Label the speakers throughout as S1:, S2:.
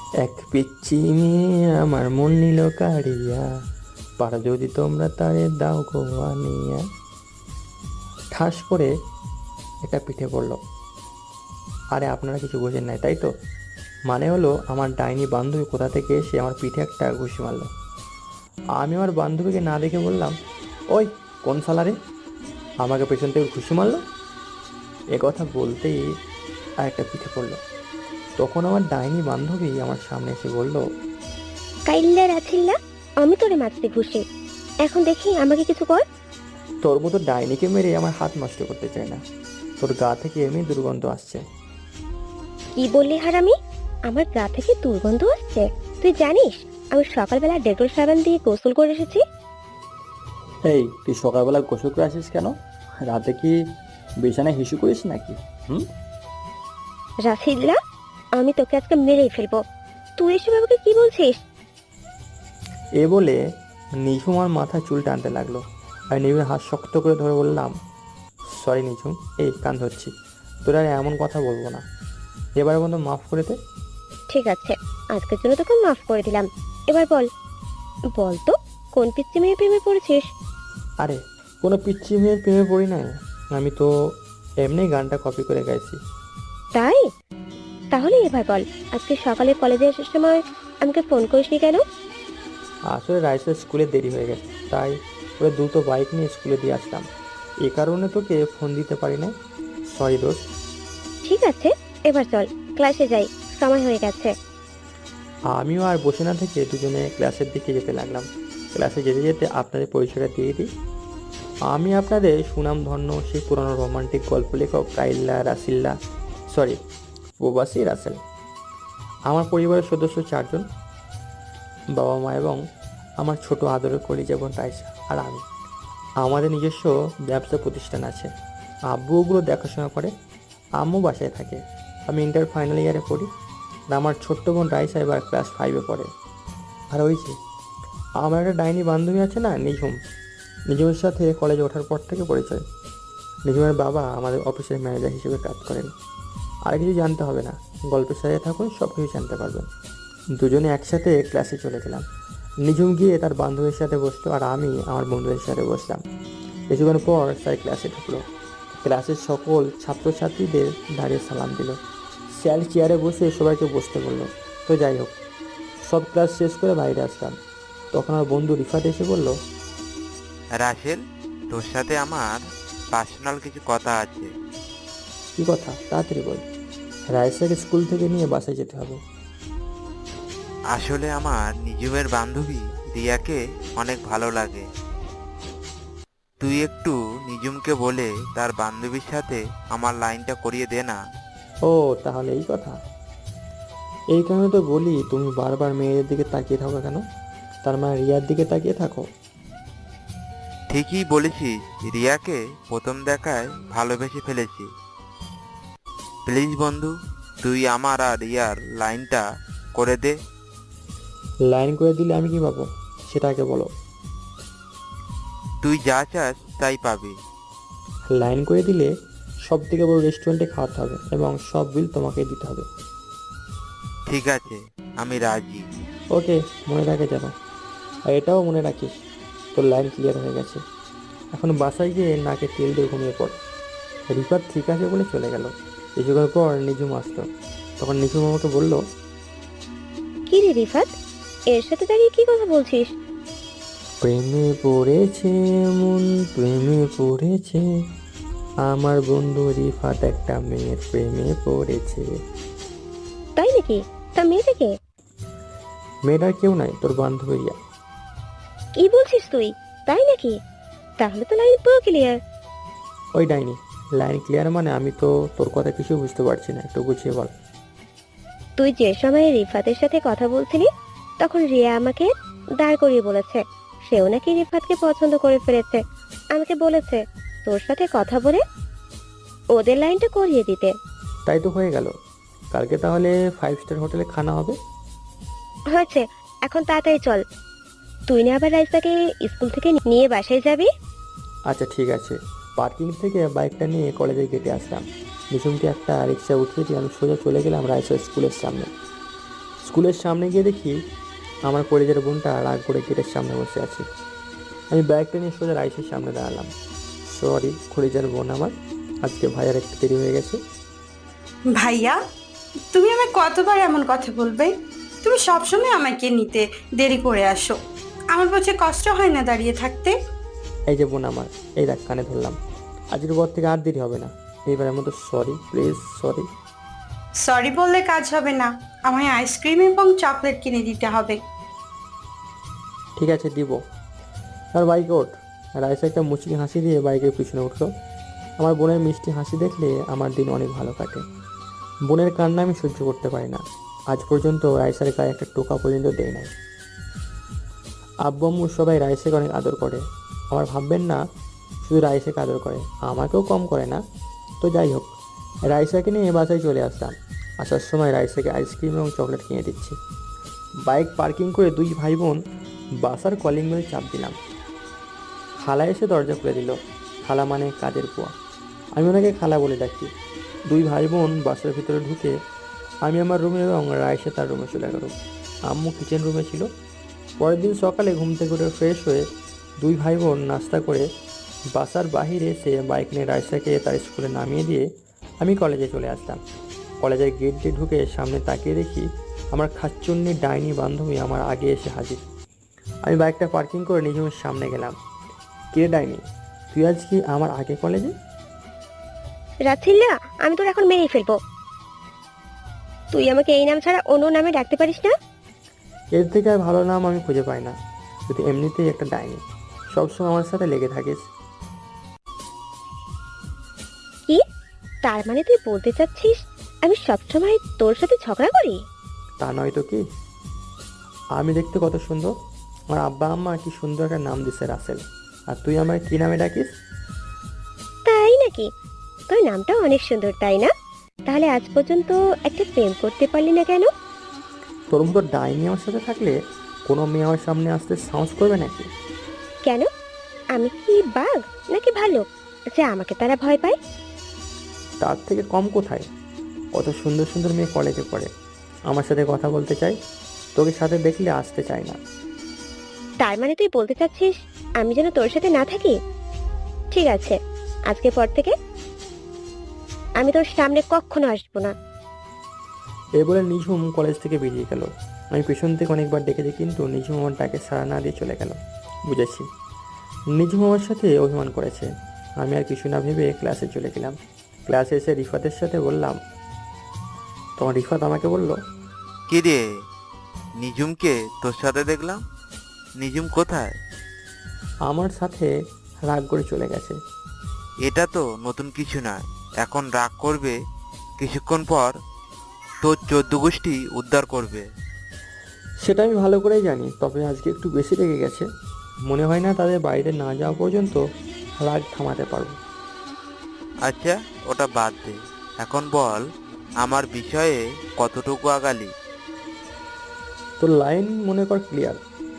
S1: এক পিচ্চি মেয়ে আমার মন নিল কাড়িয়া, পার যদি তোমরা তারে দাও গো আনিয়া। ঠাস করে একটা পিঠে পড়ল। আরে আপনারা কিছু বোঝেন নাই তাই তো? মানে হলো আমার ডাইনি বান্ধবী কোথা থেকে এসে আমার পিঠে একটা ঘুষি মারলো। আমি আমার বান্ধবীকে না দেখে বললাম, ওই কোন সালারে আমাকে পেছন থেকে ঘুষি মারলো। এ কথা বলতেই আর একটা পিঠে পড়লো। তখন আমার ডাইনি বান্ধবী আমার সামনে এসে বলল,
S2: কাইল্লা রাছিল্লা, আমি তোরে মারতে ঘুষি। এখন দেখি আমাকে কিছু কর।
S1: তোর মতো ডাইনিকে মেরে আমার হাত নষ্ট করতে চাই না। তোর গা থেকে এমনি দুর্গন্ধ আসছে।
S2: কি বললি হারামি? আমার গা থেকে দুর্গন্ধ আসছে? তুই জানিস আমি সকালবেলা ডেটল সাবান দিয়ে গোসল করে এসেছি।
S1: এই তুই সকালবেলা গোসল করে আসিস কেন? রাতে কি বিছানায় হিসু করিস নাকি? হুম।
S2: রাছিল্লা, আমি তোকে আজকে মেরেই ফেলবো। তুই এসব আমাকে কি বলছিস?
S1: এ বলে নিঝুম আমার মাথায় চুল টানতে লাগলো। আর নিঝুমের হাত শক্ত করে ধরে বললাম, সরি নিঝুম, এই কান ধরছি, তোর আর এমন কথা বলবো না, এবারের মতো মাফ করে দে।
S2: ঠিক আছে, আজকের জন্য তোকে মাফ করে দিলাম। এবার বল, বল তো কোন পিচ্চি মেয়ে প্রেমে পড়েছিস?
S1: আরে কোনো পিচ্চি মেয়ের প্রেমে পড়ি না, আমি তো এমনি গানটা কপি করে গাইছি।
S2: তাই? তাহলে এবার বল, আজকে সকালে কলেজে আসার সময় আমাকে ফোন করিসনি কেন?
S1: আসলে রাইসের স্কুলে দেরি হয়ে গেছে, তাই ওরা দ্রুত বাইক নিয়ে স্কুলে দিয়ে আসলাম। এ কারণে তোকে ফোন দিতে পারি না, সরি দোস্ত।
S2: ঠিক আছে, এবার চল ক্লাসে যাই, সময় হয়ে গেছে।
S1: আমিও আর বসে না থেকে দুজনে ক্লাসের দিকে যেতে লাগলাম। ক্লাসে যেতে যেতে আপনাদের পরিচয়টা দিয়ে দিই। আমি আপনাদের সুনামধন্য সেই পুরনো রোমান্টিক গল্প লেখক কাইল্লা রাসিল্লা, সরি প্রবাসী রাসেল। আমার পরিবারের সদস্য 4 জন, বাবা মা এবং আমার ছোট আদরের কলিজা বোন রাইসা আর আমি। আমাদের নিজস্ব ব্যবসা প্রতিষ্ঠান আছে। আব্বু ওগুলো দেখাশোনা করে, আম্মু বাসায় থাকে। আমি ইন্টার ফাইনাল ইয়ারে পড়ি, আর আমার ছোট্ট বোন রাইসা এবার ক্লাস 5-এ পড়ে। আর ওই যে আমার একটা ডাইনি বান্ধবী আছে না, নিঝুম। নিঝুমের সাথে কলেজে ওঠার পর থেকে পরিচয়। নিঝুমের বাবা আমাদের অফিসের ম্যানেজার হিসেবে কাজ করেন। আর কিছু জানতে হবে না, গল্পের সাথে থাকুন, সব কিছু জানতে পারবেন। দুজনে একসাথে ক্লাসে চলে গেলাম। নিঝুম গিয়ে তার বান্ধবীর সাথে বসলো, আর আমি আমার বন্ধুদের সাথে বসলাম। কিছুক্ষণ পর স্যার ক্লাসে ঢুকলো। ক্লাসের সকল ছাত্রছাত্রীদের দাঁড়িয়ে সালাম দিল। স্যার চেয়ারে বসে সবাইকে বসতে বললো। তো যাই হোক, সব ক্লাস শেষ করে বাইরে আসলাম। তখন আমার বন্ধু রিফাত এসে বলল,
S3: রাসেল, তোর সাথে আমার পার্সোনাল কিছু কথা আছে।
S1: কী কথা, তাড়াতাড়ি বল, রাইসাকে স্কুল থেকে নিয়ে বাসায় যেতে হবে।
S3: আসলে আমার নিজুমের বান্ধবী রিয়াকে অনেক ভালো লাগে। তুই একটু নিজুমকে বলে তার বান্ধবীর সাথে আমার লাইনটা করিয়ে দে না।
S1: ও, তাহলে এই কথা। এই কারণে তো বলি তুমি বারবার মেয়েদের দিকে তাকিয়ে থাকো কেন? তার মানে রিয়ার দিকে তাকিয়ে থাকো।
S3: ঠিকই বলেছিস, রিয়াকে প্রথম দেখায় ভালোবেসে ফেলেছি। প্লিজ বন্ধু, তুই আমার আর রিয়ার লাইনটা করে দে।
S1: লাইন করে দিলে আমি কি পাবো সেটা আগে বলো।
S3: তুই যা চাস তাই পাবি।
S1: লাইন করে দিলে সব থেকে বড় রেস্টুরেন্টে খাওয়াতে হবে এবং সব বিল তোমাকেই দিতে হবে।
S3: ঠিক আছে, আমি রাজি।
S1: ওকে, মনে থাকে যেন। আর এটাও মনে রাখিস, তোর লাইন ক্লিয়ার হয়ে গেছে। এখন বাসায় গিয়ে নাকে তেল দিয়ে ঘুমিয়ে পড়। রিফাত ঠিক আছে বলে চলে গেল। কিছুক্ষণ পর নিঝুম আসলো। তখন নিঝুম আমাকে বলল,
S2: কি রে রিফাত, এর সাথে দাঁড়িয়ে কি কথা বলছিস?
S1: প্রেমে পড়েছে মন, প্রেমে পড়েছে, আমার বন্ধু রিফাত একটা মেয়ের প্রেমে পড়েছে।
S2: তাই নাকি? তা মেয়েটাকে?
S1: মেয়েটার কেউ নাই, তোর বান্ধবী রিয়া।
S2: কি বলছিস তুই? তাই নাকি? তাহলে তো লাইন পুরো ক্লিয়ার।
S1: ওই ডাইনি, লাইন ক্লিয়ার মানে? আমি তো তোর কথা কিছু বুঝতে পারছি না, একটু গুছিয়ে বল।
S2: তুই যে সময় রিফাতের সাথে কথা বলছিলি তখন রিয়া আমাকে দাঁড় করিয়ে বলেছে সেও নাকি রিফাতকে পছন্দ করে ফেলেছে। আমাকে বলেছে তোর সাথে কথা বলে ওদের লাইনটা করিয়ে দিতে।
S1: তাই তো হয়ে গেল, কালকে তাহলে 5 স্টার হোটেলে খানা হবে।
S2: হয়েছে, এখন তাড়াতাড়ি চল। তুই না আবার রাইসাকে স্কুল থেকে নিয়ে বাসায় যাবি?
S1: আচ্ছা ঠিক আছে। পার্কিং থেকে বাইকটা নিয়ে কলেজের গেটে আসলাম। নিঝুমকে একটা রিক্সা উঠিয়ে দিয়ে আমি সোজা চলে গেলাম রাইসা স্কুলের সামনে। স্কুলের সামনে গিয়ে দেখি আমার কলেজের বোনটা রাগ করে গেটের সামনে বসে আছে। আমি ব্যাগটা নিয়ে সোজা রাইসের সামনে দাঁড়ালাম। সরি কলেজের বোন আমার, আজকে ভাইয়ার একটু দেরি হয়ে গেছে।
S4: ভাইয়া, তুমি আমায় কতবার এমন কথা বলবে? তুমি সবসময় আমাকে নিতে দেরি করে আসো। আমার পক্ষে কষ্ট হয় না দাঁড়িয়ে থাকতে?
S1: এই যে বোন আমার, এই দেখ কানে ধরলাম, আজকের পর থেকে আর দেরি হবে না। এইবারের মতো সরি প্লিজ, সরি।
S4: সরি বললে কাজ হবে না, আমায় আইসক্রিম এবং চকলেট কিনে দিতে হবে।
S1: ঠিক আছে দিব। আর বাইকে ওঠ। রাইসা একটা মুচকি হাসি দিয়ে বাইকের পিছনে উঠলো। আমার বোনের মিষ্টি হাসি দেখলে আমার দিন অনেক ভালো কাটে। বোনের কান্না আমি সহ্য করতে পারি না। আজ পর্যন্ত রাইসার গায়ে একটা টোকা পর্যন্ত দেয় নাই। আব্বু আম্মু সবাই রাইসাকে অনেক আদর করে। আমার ভাববেন না শুধু রাইসাকে আদর করে, আমাকেও কম করে না। তো যাই হোক, রাইসাকে নিয়ে বাসায় চলে আসলাম। আসার সময় রাইসাকে আইসক্রিম এবং চকলেট কিনে দিচ্ছি। বাইক পার্কিং করে দুই ভাই বোন বাসার কলিং বেল চাপ দিলাম। খালা এসে দরজা খুলে দিল। খালা মানে কাজের বুয়া, আমি ওনাকে খালা বলে ডাকি। দুই ভাই বোন বাসার ভিতরে ঢুকে আমি আমার রুমে এবং রাইসা তার রুমে চলে গেল। আম্মু কিচেন রুমে ছিল। পরের দিন সকালে ঘুম থেকে উঠে ফ্রেশ হয়ে দুই ভাই বোন নাস্তা করে বাসার বাহিরে এসে বাইক নিয়ে রাইসাকে তার স্কুলে নামিয়ে দিয়ে আমি কলেজে চলে আসলাম। কলেজের গেট দিয়ে ঢুকে সামনে তাকিয়ে দেখি আমার খাচ্চুন্নি ডাইনি বান্ধবী আমার আগে এসে হাজির। আমি বাইকটা পার্কিং করে নিজের সামনে গেলাম। কে ডাইনি, তুই আজ কি আমার আগে কলেজে?
S2: রাছিল্লা, আমি তোর এখন মেরেই ফেলবো। তুই আমাকে এই নাম ছাড়া অন্য নামে ডাকতে পারিস না?
S1: এর থেকে আর ভালো নাম আমি খুঁজে পাই না। তুই এমনিতেই একটা ডাইনি, সবসময় আমার সাথে লেগে থাকিস।
S2: কি? তার মানে তুই বলতে চাচ্ছিস আমি সবসময় তোর সাথে ঝগড়া করি?
S1: তা নয় তো কি। আমি দেখতে কত সুন্দর, আমার আব্বা আম্মা কি সুন্দর একটা নাম দিছে রাসেল, আর তুই আমার কি নামে ডাকিস?
S2: তাই নাকি? তোর নামটা অনেক সুন্দর, তাই না? তাহলে আজ পর্যন্ত একটা প্রেম করতে পারলি না কেন?
S1: তোর মতো ডাইনি আমার সাথে থাকলে কোনো মেয়ে আমার সামনে আসতে সাহস করবে নাকি?
S2: কেন? আমি কি বাঘ নাকি ভালো যে আমাকে তারা ভয় পায়?
S1: তার থেকে কম কোথায়? কত সুন্দর সুন্দর মেয়ে কলেজে পড়ে, আমার সাথে কথা বলতে চাই, তোকে সাথে দেখলে আসতে চায় না।
S2: তার মানে তুই বলতে চাচ্ছিস আমি যেন তোর সাথে না থাকি? ঠিক আছে, আজকে পর থেকে আমি তোর সামনে কখনো আসবো না।
S1: এই বলে নিঝুম কলেজ থেকে বেরিয়ে গেল। আমি পেছন থেকে অনেকবার ডেকেছি, কিন্তু নিঝুম আমার ডাকে সাড়া না দিয়ে চলে গেল। বুঝেছি নিঝুম আমার সাথে অভিমান করেছে। আমি আর কিছু না ভেবে ক্লাসে চলে গেলাম। ক্লাসে এসে রিফাতের সাথে বললাম, তোমার রিফাত আমাকে বলল,
S3: কি রে, নিজুমকে তোর সাথে দেখলাম। নিজুম কোথায়?
S1: আমার সাথে রাগ করে চলে গেছে।
S3: এটা তো নতুন কিছু নয়, এখন রাগ করবে, কিছুক্ষণ পর তোর 14 গোষ্ঠী উদ্ধার করবে।
S1: সেটা আমি ভালো করেই জানি, তবে আজকে একটু বেশি রেগে গেছে। মনে হয় না তাদের বাইরে না যাওয়া পর্যন্ত রাগ থামাতে পারবো।
S3: আচ্ছা, ওটা বাদ দে, এখন বল আমার বিষয়ে কতটুকু আগালি।
S1: তোর লাইন মনে কর ক্লিয়ার।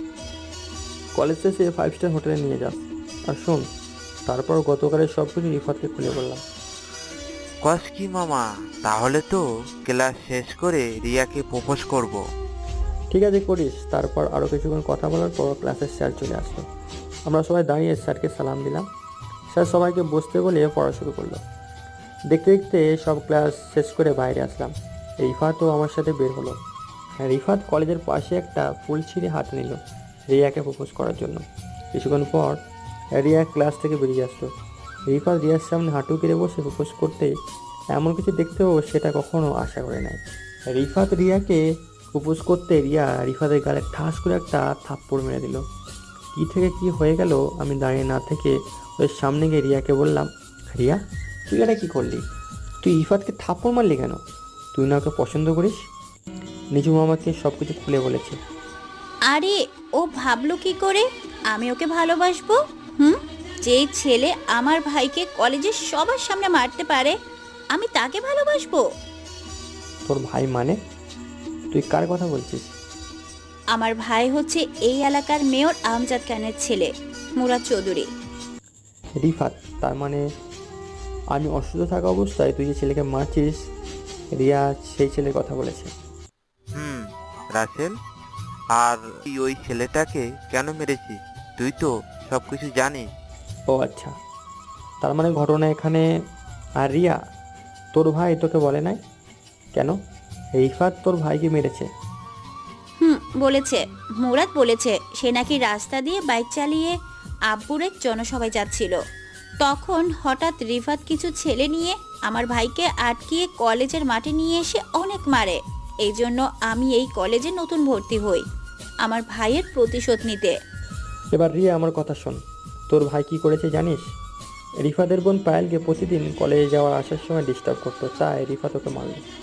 S1: কলেজ শেষে 5 স্টার হোটেলে নিয়ে যাস। আর শোন, তারপর গতকালের সব কিছু রিফাতকে খুলে বললাম।
S3: কস কি মামা, তাহলে তো ক্লাস শেষ করে রিয়াকে প্রপোজ করব।
S1: ঠিক আছে করিস। তারপর আরও কিছুক্ষণ কথা বলার পর ক্লাসের স্যার চলে আসলো। আমরা সবাই দাঁড়িয়ে স্যারকে সালাম দিলাম। স্যার সবাইকে বসতে বলে পড়া শুরু করলো। দেখতে দেখতে সব ক্লাস শেষ করে বাইরে আসলাম। রিফাতও আমার সাথে বের হলো। রিফাত কলেজের পাশে একটা ফুল ছিঁড়ে হাতে নিল রিয়াকে প্রপোজ করার জন্য। কিছুক্ষণ পর রিয়া ক্লাস থেকে বেরিয়ে আসলো। রিফাত রিয়ার সামনে হাঁটু কেড়ে বসে প্রপোজ করতেই এমন কিছু দেখতেও সেটা কখনো আশা করে নাই। রিফাত রিয়াকে প্রপোজ করতে রিয়া রিফাতের গালে ঠাস করে একটা থাপ্পড় মেরে দিল। কী থেকে কি হয়ে গেল আমি দাঁড়িয়ে না থেকে ওর সামনে গিয়ে রিয়াকে বললাম, রিয়া তুই এটা কী করলি? তুই রিফাতকে থাপ্পড় মারলি কেন? তুই না ওকে পছন্দ করিস? নিজুম আমাকে সব কিছু খুলে বলেছে।
S5: আরে ও ভাবলো কি করে আমি ওকে ভালোবাসবো? যে ছেলে আমার ভাইকে কলেজের সবার সামনে মারতে পারে আমি তাকে ভালোবাসবো?
S1: তোর ভাই মানে? তুই কার কথা বলছিস?
S5: আমার ভাই হচ্ছে এই এলাকার মেয়র আমজাদ খানের ছেলে, মুরাদ চৌধুরী।
S1: রিফাত, তার মানে আমি অসুস্থ থাকা অবস্থায় তুই যে ছেলেকে মারছিস, রিয়া সেই ছেলের কথা বলেছে।
S3: রাসেল। আর তুই ওই ছেলেটাকে কেন মেরেছিস তুই তো সবকিছু জানিস।
S1: ও আচ্ছা, তার মানে ঘটনা এখানে। আর রিয়া, তোর ভাই তোকে বলে নাই কেন রিফাত তোর ভাইকে মেরেছে?
S5: বলেছে, মুরাদ বলেছে সে নাকি রাস্তা দিয়ে বাইক চালিয়ে আব্বুর এক জনসভায় যাচ্ছিল। তখন হঠাৎ রিফাত কিছু ছেলে নিয়ে আমার ভাইকে আটকিয়ে কলেজের মাঠে নিয়ে এসে অনেক মারে। এই জন্য আমি এই কলেজে নতুন ভর্তি হই আমার ভাইয়ের প্রতিশোধ নিতে।
S1: এবার রিয়া আমার কথা শোন, তোর ভাই কি করেছে জানিস? রিফাতের বোন পায়েলকে প্রতিদিন কলেজে যাওয়ার আসার সময় ডিস্টার্ব করতো, তাই রিফাত ওকে মারল।